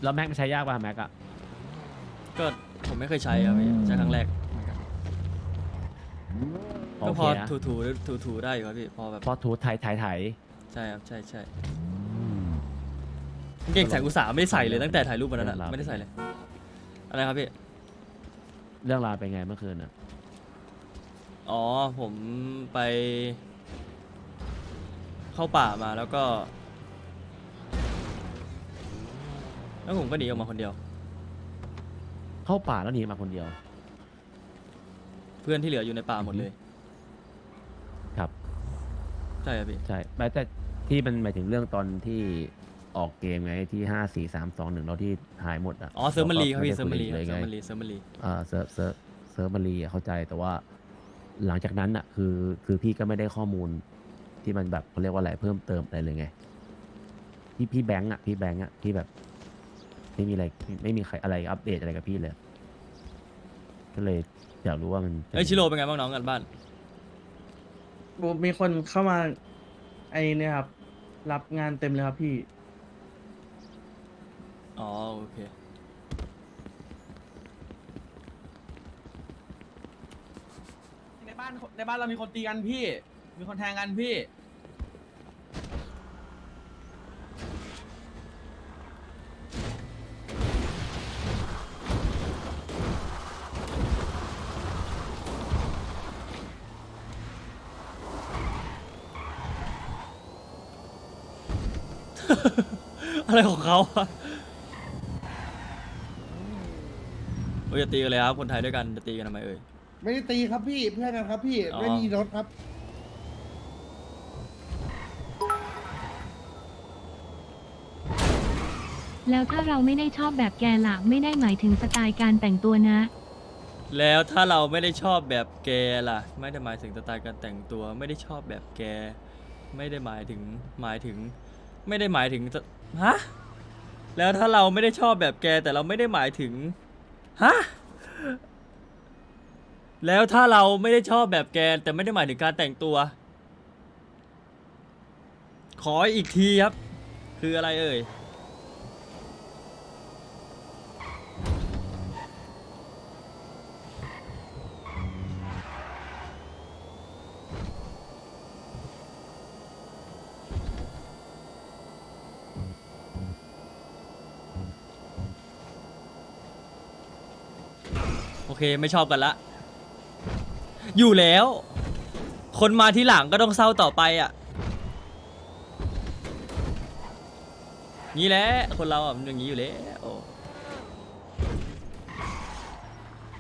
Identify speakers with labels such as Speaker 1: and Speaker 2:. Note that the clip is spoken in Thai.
Speaker 1: แล้วแม็กมันใช้ยากป่ะแม็กอะ
Speaker 2: ก็ผมไม่เคยใช้ครับพี่ใช้ครั้งแรกเหมือนกัน
Speaker 1: โอ
Speaker 2: ก็
Speaker 1: เค
Speaker 2: พอ
Speaker 1: นะ
Speaker 2: ถูได้อยู่ครับพี่พอแบบ
Speaker 1: พอทูไถ
Speaker 2: ใช่ครับใช่เก่งแสงอุตสาห์ไม่ได้ใส่เลยตั้งแต่ถ่ายรูปวันนั้นอะไม่ได้ใส่เลยอะไรครับพี่
Speaker 1: เรื่องราวเป็นไงเมื่อคืนอะ
Speaker 2: อ๋อผมไปเข้าป่ามาแล้วผมก็หนีออกมาคนเดียว
Speaker 1: เข้าป่าแล้วหนีมาคนเดียว
Speaker 2: เพื่อนที่เหลืออยู่ในป่าหมดเลย
Speaker 1: ครับ
Speaker 2: ใช่ครับพี่
Speaker 1: ใช่แต่ที่มันหมายถึงเรื่องตอนที่ออกเกมไงที่5 4 3 2 1แล้วที่หายหมดอะ
Speaker 2: อ๋อเซิร์ฟมันรีครับพี่
Speaker 1: ก็
Speaker 2: เซิร์ฟมันรี
Speaker 1: เลย
Speaker 2: เซิ
Speaker 1: ไง
Speaker 2: ร์ฟมันรีเซิร์ฟมันรี
Speaker 1: เซิร์ฟมารีอะเข้าใจแต่ว่าหลังจากนั้นอะคือพี่ก็ไม่ได้ข้อมูลที่มันแบบเขาเรียกว่าอะไรเพิ่มเติมอะไรเลยไงพี่แบงค์อะที่แบบไม่มีอะไรไม่มีใครอะไรอัปเดตอะไรกับพี่เลยก็เลยอยากรู้ว่ามัน
Speaker 2: เอ้ยชิโร่เป็นไงบ้างน้องกันบ้าน
Speaker 3: มีคนเข้ามาไอเนี่ยครับ รับงานเต็มเลยครับพี่
Speaker 2: อ๋อโอเค
Speaker 4: ในบ้านเรามีคนตีกันพี่ มีคนแทงกันพี่
Speaker 2: อะไรของเขาอะเอ้ยจะตีกันเลยครับคนไทยด้วยกันจะตีกันทำไมเอ่ย
Speaker 5: ไม่ได้ตีครับพี่เพื่อนกันครับพี่
Speaker 2: อ๋อ
Speaker 5: ไม่มีรถครับ
Speaker 6: แล้วถ้าเราไม่ได้ชอบแบบแกล่ะไม่ได้หมายถึงสไตล์การแต่งตัวนะ
Speaker 2: แล้วถ้าเราไม่ได้ชอบแบบแกล่ะ ไม่ได้หมายถึงสไตล์การแต่งตัว ไม่ได้ชอบแบบแก ไม่ได้หมายถึงไม่ได้หมายถึงฮะแล้วถ้าเราไม่ได้ชอบแบบแกแต่เราไม่ได้หมายถึงฮะแล้วถ้าเราไม่ได้ชอบแบบแกแต่ไม่ได้หมายถึงการแต่งตัว ขออีกทีครับ คืออะไรเอ่ย โอเคไม่ชอบกันละ อยู่แล้ว คนมาที่หลังก็ต้องเศร้าต่อไปอ่ะงี้แหละคนเราอ่ะมันอย่างนี้อยู่แล้ว